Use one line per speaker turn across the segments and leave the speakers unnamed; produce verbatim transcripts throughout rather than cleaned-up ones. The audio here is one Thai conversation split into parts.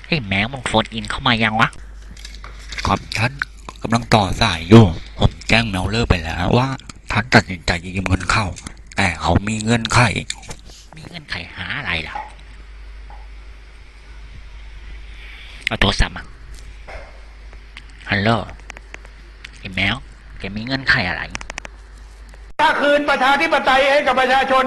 ไอ้แมวมึงโฟนอินเข้ามายังวะ
ครับท่านกำลังต่อสายอยู่ผมแจ้งเมลเลอร์ไปแล้วว่าท่านตัดสินใจยืมเงินเข้าแต่เขามีเงื่อนไข
มีเงื่อนไขหาอะไรล่ะเอาโทรศัพท์มาฮัลโหลไอ้แมวแกมีเงื่อนไขอะไร
ถ้าคืนประชาธิปไตยให้กับประชาชน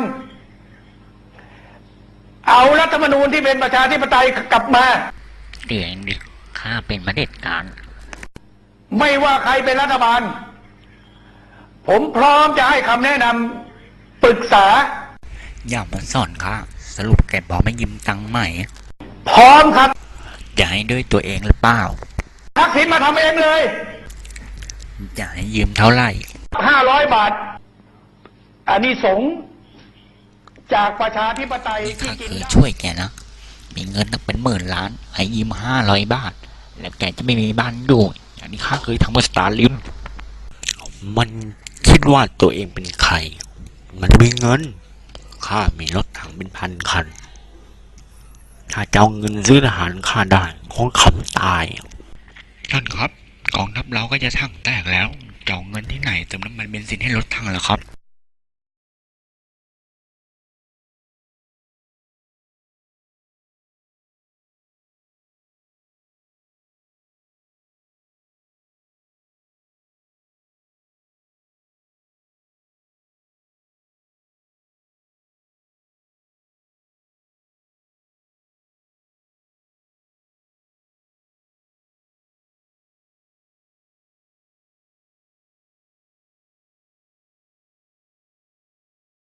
เอารัฐธรรมนูญที่เป็นประชาธิปไตยกลับมา
เดี๋ยวเองดิข้าเป็นประเด็จการ
ไม่ว่าใครเป็นรัฐบาลผมพร้อมจะให้คำแนะนำปรึกษา
อย่ามาสอนค่ะสรุปแกบอกไม่ยืมตังค์ใหม่
พร้อมครับ
จะให้ด้วยตัวเองหรือเปล่า
ทักษิณมาทำเองเลย
จะให้ยืมเท่าไหร่
ห้าร้อยบาทอันนี้สงจากประชาธิปไตย
ที่เคยช่วยแกนะมีเงินตั้งเป็นหมื่นล้านให้ยืมห้าร้อยบาทแล้วแกจะไม่มีบ้านอยู่อย่างนี้ข้าเคยทำกับสตาร์ลิมมันคิดว่าตัวเองเป็นใครมันมีเงินข้ามีรถถังเป็นพันคันถ้าเจ้าเงินซื้อทหารข้าได้คงขำตายท่านครับกองทัพเราก็จะถังแตกแล้วเจ้าเงินที่ไหนเติมน้ำมันเบนซินให้รถถังเหรอครับ